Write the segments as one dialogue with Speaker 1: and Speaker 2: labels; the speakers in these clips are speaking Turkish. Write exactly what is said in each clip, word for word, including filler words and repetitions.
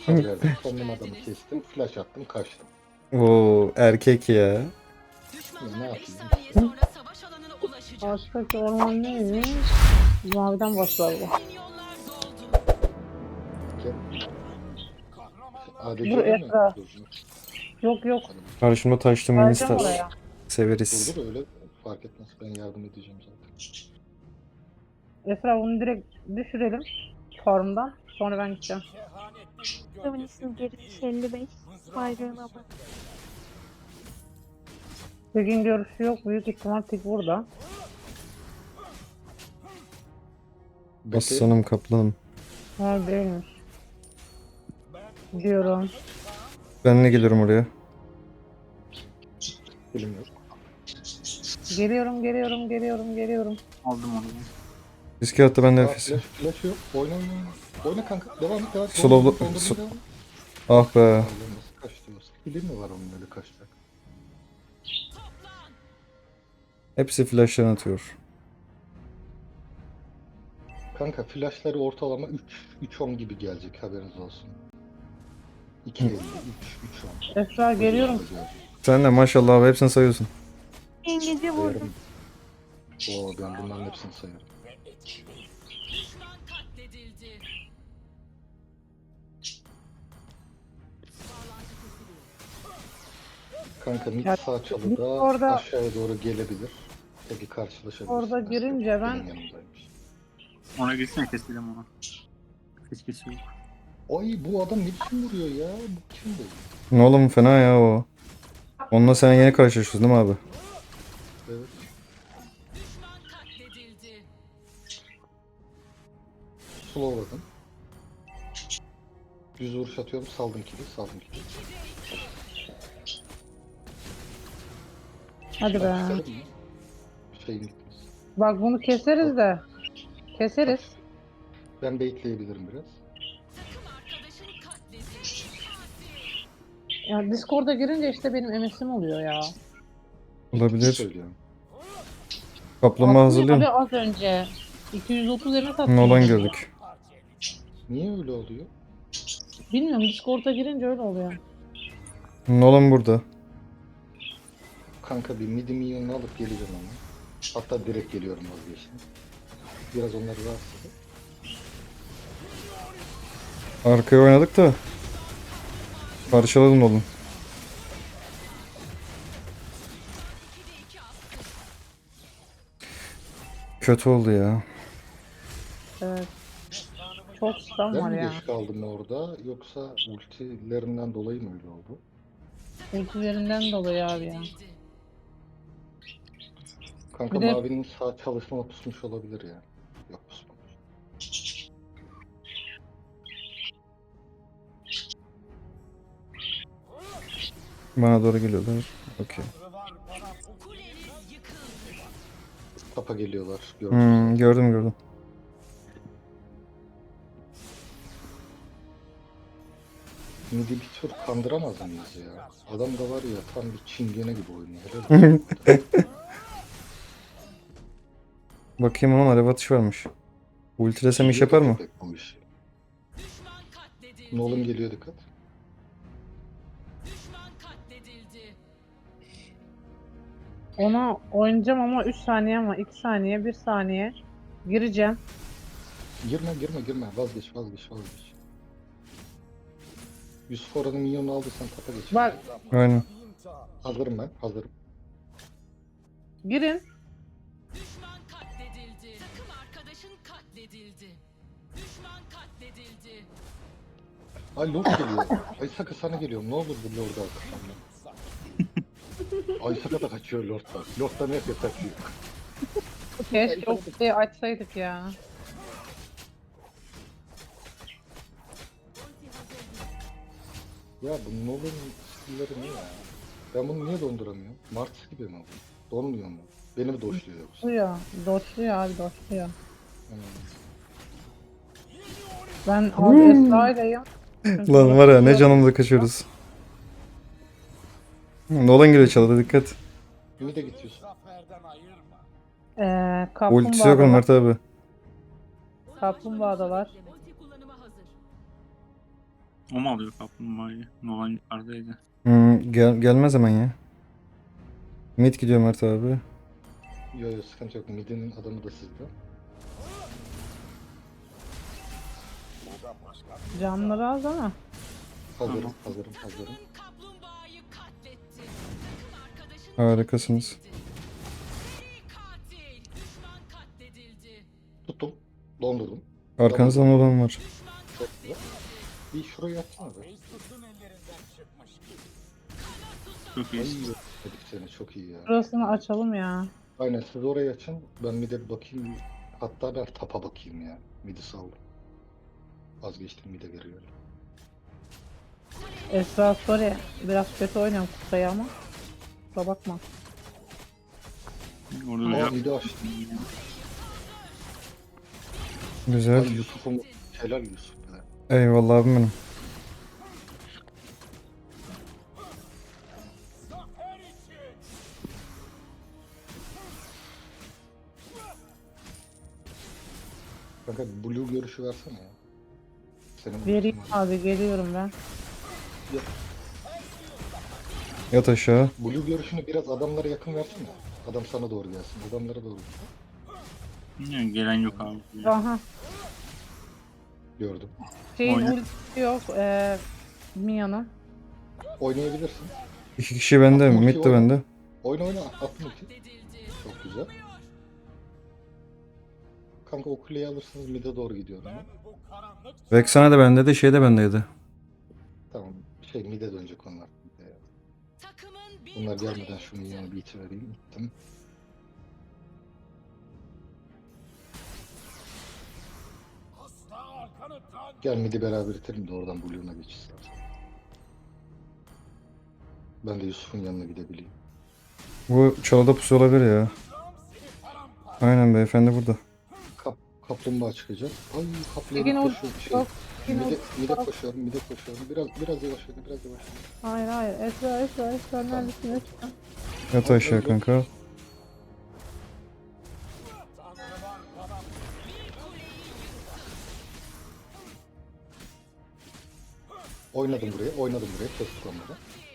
Speaker 1: Hasar verdim. Sonun adamı kestim. Flash attım. Kaçtım.
Speaker 2: Oo erkek ya.
Speaker 1: Ya ne yapayım işte.
Speaker 3: Ağaçtaki orman neymiş? Maviden başlar bu.
Speaker 1: Gel. A D C
Speaker 3: Dur
Speaker 1: olur mu?
Speaker 3: Esra.
Speaker 1: Dur dur.
Speaker 3: Yok yok.
Speaker 1: Hadi bakalım.
Speaker 2: Karşıma taştım
Speaker 3: Geleceğim
Speaker 2: Ministar.
Speaker 3: oraya.
Speaker 2: Severiz.
Speaker 1: Dur dur öyle fark etmez. Ben yardım edeceğim zaten.
Speaker 3: Esra bunu direkt düşürelim. Farmdan. Sonra ben gideceğim.
Speaker 4: Feminist'in gerisi elli beş. Bayrağına bak.
Speaker 3: Bugün görüşü yok. Büyük ihtimal tek burada.
Speaker 1: Bekle.
Speaker 2: Aslanım kaplanım.
Speaker 3: Ha değilmiş. Diyorum.
Speaker 2: Ben ne gelirim oraya?
Speaker 1: Bilim yok.
Speaker 3: Geliyorum, geliyorum, geliyorum, geliyorum.
Speaker 5: Aldım onu.
Speaker 2: Riske attı ben
Speaker 1: Aa,
Speaker 2: nefesi.
Speaker 1: flash, flash yok. Oyna oyna oyna. Oyna kanka. Devam et devam et.
Speaker 2: Slowla-
Speaker 1: Dondurdum, dondurdum,
Speaker 2: so-
Speaker 1: devam et.
Speaker 2: Ah be.
Speaker 1: Allah'ım nasıl kaçtı o? Bilim mi var onun öyle kaçacak?
Speaker 2: Hepsi flash'tan atıyor.
Speaker 1: Kanka flashları ortalama üç üç on gibi gelecek haberiniz olsun. iki elli, üç üç on.
Speaker 3: Esra geliyorum.
Speaker 2: Sen de maşallah abi hepsini sayıyorsun.
Speaker 4: İngilizce vurdum.
Speaker 1: Sayarım. Oo ben bunların hepsini sayarım. Kanka mid
Speaker 3: Ya,
Speaker 1: sağ
Speaker 3: biz
Speaker 1: çalıda
Speaker 3: orada-
Speaker 1: aşağıya doğru gelebilir. Peki karşılaşabiliriz.
Speaker 3: Orada girince ben-
Speaker 1: Benim yanımdaymış.
Speaker 5: Ona gitsene keselim onu. Hiç kesiyor.
Speaker 1: Ay bu adam ne biçim vuruyor ya? Bu kim bu?
Speaker 2: Ne oğlum fena ya o. Onunla sen yeni karşılaşıyorsun değil mi abi?
Speaker 1: Evet. Slowladım. Düz vuruş atıyorum. Saldım kili. Saldım kili.
Speaker 3: Hadi be.
Speaker 1: Keselim mi? Şeyim gitmez.
Speaker 3: Bak bunu keseriz de. Keseriz.
Speaker 1: Ben baitleyebilirim biraz.
Speaker 3: Ya Discord'a girince işte benim M S'im oluyor ya.
Speaker 2: Olabilir.
Speaker 1: Söylüyorum.
Speaker 2: Kaplama
Speaker 3: Aslında
Speaker 2: hazırlıyorum.
Speaker 3: abi az önce iki yüz otuz M S attım.
Speaker 2: Nolan gördük.
Speaker 1: Niye öyle oluyor?
Speaker 3: Bilmiyorum, Discord'a girince öyle oluyor.
Speaker 2: Nolan burada.
Speaker 1: Kanka bir midi minyonunu alıp geleceğim ama. Hatta direkt geliyorum vazgeçtim. Biraz onları rahatsız edip.
Speaker 2: Arkaya oynadık da. Parçaladım Nolan. Kötü oldu ya.
Speaker 3: Evet. Çok stun
Speaker 1: Ben
Speaker 3: var
Speaker 1: mi
Speaker 3: ya.
Speaker 1: geç kaldım orada yoksa ultilerinden dolayı mı öyle oldu?
Speaker 3: Ultilerinden dolayı abi ya.
Speaker 1: Kanka
Speaker 3: Bir de-
Speaker 1: mavinin sağ çalışma pusmuş olabilir ya. Yok pusmamış.
Speaker 2: Bana doğru geliyorlar. Okey.
Speaker 1: Tapa geliyorlar. Gördüm.
Speaker 2: Hmm, gördüm gördüm.
Speaker 1: Midi bir tur kandıramaz mıyız ya? Adam da var ya tam bir çingene gibi oynuyor. Helal olsun.
Speaker 2: Bakayım ama alev atış varmış. Ultilesem iş yapar mı?
Speaker 1: Köpek bu işi. Nolan geliyor dikkat.
Speaker 3: Ona oynayacağım ama üç saniye ama iki saniye, bir saniye. Gireceğim.
Speaker 1: Girme girme girme vazgeç vazgeç vazgeç. Yusuf oranın minyonunu aldıysan tapa geç.
Speaker 3: Bak
Speaker 2: Aynen.
Speaker 1: Hazırım ben hazırım.
Speaker 3: girin.
Speaker 6: Düşman katledildi. Takım arkadaşın katledildi. Düşman katledildi.
Speaker 1: Ay Lord geliyor. Ay Saka sana geliyorum. Ne olur bu Lord'u al kafamdan. Ay Saka da kaçıyor Lord'dan. Lord'dan hep kaçıyor.
Speaker 3: Keşke o kutuyu açsaydık ya.
Speaker 1: Ya bu Nolan'ın skill'leri ne ya? Ben bunu niye donduramıyorum? Mars gibi mi bu? Donmuyor mu? Beni mi doşluyor yoksa?
Speaker 3: Doçluyor. Doçluyor abi doçluyor.
Speaker 1: Hmm.
Speaker 3: Ben abi Esra'yleyim.
Speaker 2: Lan var ya ne canımıza kaçıyoruz. Nolan geliyor çalıda dikkat.
Speaker 1: Ümit de gidiyorsun.
Speaker 3: Ee,
Speaker 2: Ultisi yok onun
Speaker 3: kaplumbağadalar.
Speaker 2: Mert abi.
Speaker 3: Kaplumbağadalar.
Speaker 6: Ulti kullanıma hazır.
Speaker 5: O mu alıyor kaplumbağayı? Nolan yukarıdaydı.
Speaker 2: Hmm, gel gelmez hemen ya. Mid gidiyor Mert abi.
Speaker 1: Yo yo sıkıntı yok. Mid'in adamı da sizde.
Speaker 3: Canları az ama.
Speaker 1: Hazırım,
Speaker 5: Tamam.
Speaker 1: hazırım, hazırım.
Speaker 6: Kaplumbağayı katletti. Takım arkadaşın
Speaker 2: Harikasınız.
Speaker 6: seri katil. Düşman katledildi.
Speaker 1: Tuttum. Dondurdum.
Speaker 2: Arkanızda olan var.
Speaker 6: Düşman
Speaker 1: Çok güzel. Bir şuraya atsana be.
Speaker 5: Çok
Speaker 1: Ay
Speaker 5: iyi.
Speaker 1: dedik seni çok iyi ya.
Speaker 3: Burasını açalım ya.
Speaker 1: Aynen siz orayı açın. Ben mid'e bir bakayım. Hatta ben tapa bakayım ya. Mid'i saldım. Vazgeçtim mid'e veriyorum.
Speaker 3: Esra sorry. Biraz kötü oynuyorum kutayı ama. Kusura bakma.
Speaker 5: Orada
Speaker 1: Aa
Speaker 5: da
Speaker 1: mid'i açtım.
Speaker 2: Güzel.
Speaker 1: Ay Yusuf'um. Helal Yusuf be.
Speaker 2: Eyvallah abim benim.
Speaker 1: Kanka blue görüşü versene ya. Senin
Speaker 3: Vereyim
Speaker 1: ultin var.
Speaker 3: abi geliyorum ben.
Speaker 2: Yat aşağı.
Speaker 1: Blue görüşünü biraz adamlara yakın versene. Adam sana doğru gelsin. Adamlara doğru.
Speaker 5: yani gelen yok abi.
Speaker 3: Aha.
Speaker 1: Gördüm.
Speaker 3: Şeyin
Speaker 5: Oyna.
Speaker 3: ultisi yok. Eee Mia'nın.
Speaker 1: Oynayabilirsin.
Speaker 2: İki kişi bende.
Speaker 1: Ulti
Speaker 2: Mid de
Speaker 1: oyna.
Speaker 2: bende.
Speaker 1: Oyna oyna. Attım ulti.
Speaker 6: katledildi.
Speaker 1: Çok güzel. Kanka o kuleyi alırsınız mid'e doğru gidiyorum ben.
Speaker 2: Vexana da bende de şey de bendeydi.
Speaker 1: Tamam. Şey mid'e dönecek onlar. Mid'e.
Speaker 6: Takımın bir
Speaker 1: Bunlar
Speaker 6: kuleyi
Speaker 1: gelmeden şunu
Speaker 6: yıktı.
Speaker 1: yeni bir iti vereyim. Gittim. Gel mid'i beraber itelim de oradan Blue'una geçeceğiz. Ben de Yusuf'un yanına gidebileyim.
Speaker 2: Bu çalıda pusu olabilir ya. Aynen beyefendi burada.
Speaker 1: Kap, kaplumbağa çıkacak. Ay kaplumbağaya
Speaker 3: Peki, o-
Speaker 1: koşuyor. Şey,
Speaker 3: o- Yine
Speaker 1: mid'e, mid'e koşuyorum, mid'e koşuyorum. Biraz biraz yavaş oyna, biraz yavaş oyna.
Speaker 3: Hayır hayır. Esra Esra Esra neredesin Esra?
Speaker 2: Yat aşağı kanka.
Speaker 1: Oynadım buraya, oynadım buraya. Kestik onları.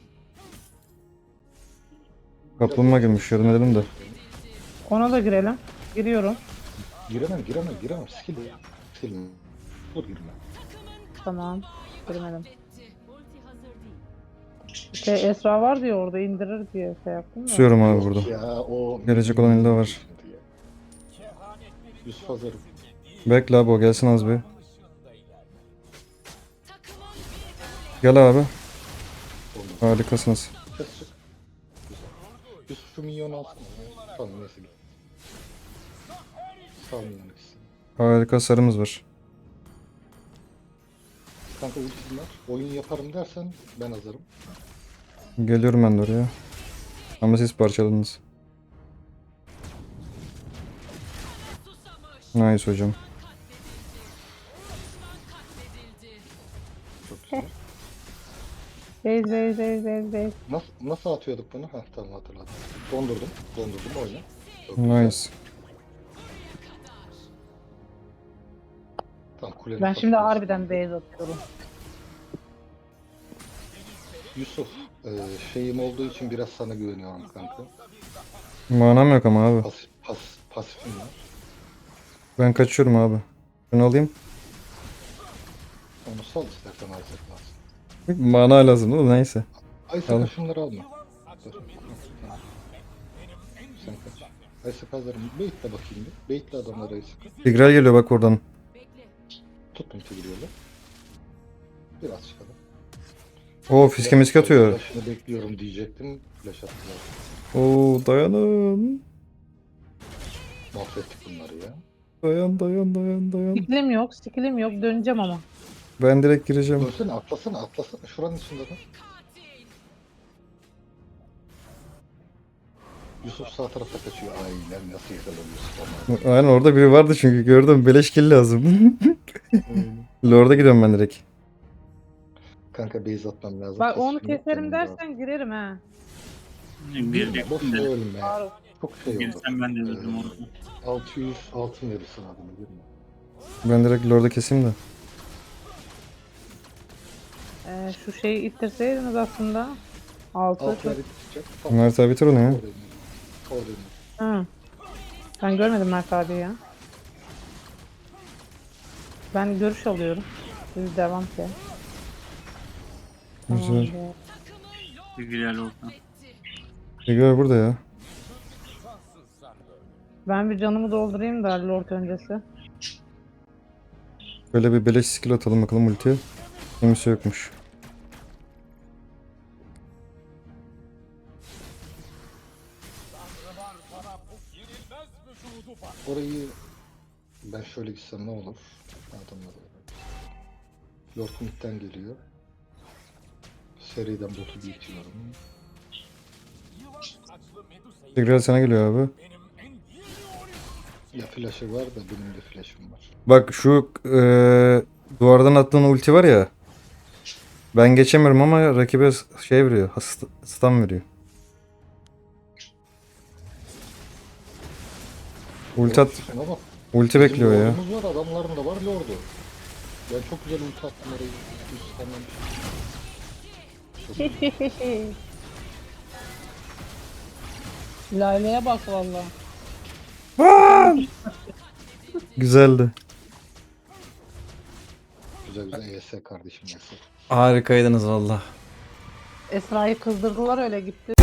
Speaker 2: Kaplumbağa girmiş yardım edelim de.
Speaker 3: Ona da girelim. Giriyorum.
Speaker 1: Giremem, giremem, giremem. Skill ya. Skill. Dur girme.
Speaker 3: Tamam. Girmedim. Şey Esra var diye orada indirir diye şey yaptım da.
Speaker 2: Pusuyorum abi burada.
Speaker 1: Ya o...
Speaker 2: Gelecek olan elde var.
Speaker 1: Yusuf hazırım.
Speaker 2: Bekle abi o gelsin az bir.
Speaker 6: Takımın bir
Speaker 2: Gel abi.
Speaker 1: Oldu.
Speaker 2: Harikasınız.
Speaker 1: Kes çık. Yusuf şu minyonu alsana. Tamam neyse git. Sağ minyonu gitsin.
Speaker 2: Harika sarımız var.
Speaker 1: Kanka ultim var. Oyun yaparım dersen ben hazırım.
Speaker 2: Geliyorum ben de oraya. Ama siz parçaladınız.
Speaker 6: susamış.
Speaker 2: Nice hocam.
Speaker 6: Katledildi.
Speaker 1: Çok güzel.
Speaker 3: Beyz beyz beyz beyz beyz.
Speaker 1: Nasıl, nasıl atıyorduk bunu? Heh tamam hatırladım. Dondurdum. Dondurdum oyna. Çok güzel.
Speaker 2: Nice.
Speaker 1: Tamam kulenin
Speaker 3: Ben şimdi
Speaker 1: kapısını-
Speaker 3: harbiden beyz atıyorum.
Speaker 1: Yusuf, e, şeyim olduğu için biraz sana güveniyorum kanka.
Speaker 2: Manam yok ama abi.
Speaker 1: Pas, pas, pasifim var.
Speaker 2: Ben kaçıyorum abi. Şunu alayım.
Speaker 1: Onu sal istersen Isaac lazım.
Speaker 2: Mana lazım değil mi? Neyse.
Speaker 1: Isaac
Speaker 2: Al.
Speaker 1: şunları alma. Dur. Tamam. Sen kaç. Isaac hazırım. Baitle bakayım bir. Baitle adamları Isaac.
Speaker 2: Tigreal geliyor bak oradan.
Speaker 1: Tuttum Tigreal'ı. Biraz çıkalım.
Speaker 2: Oo fiske miske atıyor.
Speaker 1: Flash'ını bekliyorum diyecektim. Flash attılar.
Speaker 2: Oo dayanın.
Speaker 1: Mahvettik bunları ya.
Speaker 2: Dayan dayan dayan dayan.
Speaker 3: Skillim yok, skillim yok. Döneceğim ama.
Speaker 2: Ben direkt gireceğim.
Speaker 1: Dönsene atlasana atlasana. Şuranın içinde de.
Speaker 6: Katil.
Speaker 1: Yusuf sağ tarafa kaçıyor. Aynen nasıl yakaladın Yusuf ama.
Speaker 2: Aynen orada biri vardı çünkü gördüm. Beleş kill lazım. Lord'a gidiyorum ben direkt.
Speaker 1: Kanka base atmam lazım.
Speaker 3: Bak onu
Speaker 1: Pasifim yok,
Speaker 3: keserim
Speaker 1: canım lazım.
Speaker 3: dersen girerim ha.
Speaker 5: Bir
Speaker 1: Girme, boş
Speaker 5: de
Speaker 1: ölme.
Speaker 3: Faruk.
Speaker 1: Çok şey oldu.
Speaker 5: girsem ben de dedim
Speaker 1: Ee,
Speaker 5: orada.
Speaker 1: altı yüz altın verirsin adamı girme.
Speaker 2: Ben direkt Lord'a keseyim de.
Speaker 3: Ee, şu şeyi ittirseydiniz aslında. Altı
Speaker 1: Altı
Speaker 3: çok...
Speaker 1: aylık tutacak. Tamam.
Speaker 2: Mert abi bitir onu ya.
Speaker 1: Oradayım. Oradayım.
Speaker 3: Hı. Ben görmedim Mert abi ya. Ben görüş alıyorum. Siz devam ki.
Speaker 2: Güzel.
Speaker 3: Tamamdır.
Speaker 5: Bilgilerle olsun.
Speaker 2: Figür burada ya.
Speaker 3: Ben bir canımı doldurayım da Lord öncesi.
Speaker 2: Böyle bir beleş skill atalım bakalım ultiye. Kimse yokmuş.
Speaker 1: Orayı ben şöyle gitsem ne olur? Adamlar Lord mid'den geliyor. Seriden botu büyütüyorum.
Speaker 2: Tigreal sana geliyor abi.
Speaker 1: Ya flash'ı var da benim de flash'ım var.
Speaker 2: Bak şu eee, duvardan attığın ulti var ya. Ben geçemiyorum ama rakibe şey veriyor. hasta- Stun veriyor. Ulti at,
Speaker 1: Şuna bak.
Speaker 2: ulti
Speaker 1: Bizim
Speaker 2: bekliyor ya.
Speaker 1: Lord'umuz var, adamların da var Lord'u. Ben çok güzel ulti attım orayı. Üstten
Speaker 3: Lale'ye bak valla.
Speaker 2: Güzeldi.
Speaker 1: güzel güzel E S kardeşim E S.
Speaker 2: Harikaydınız valla.
Speaker 3: Esra'yı kızdırdılar öyle gitti.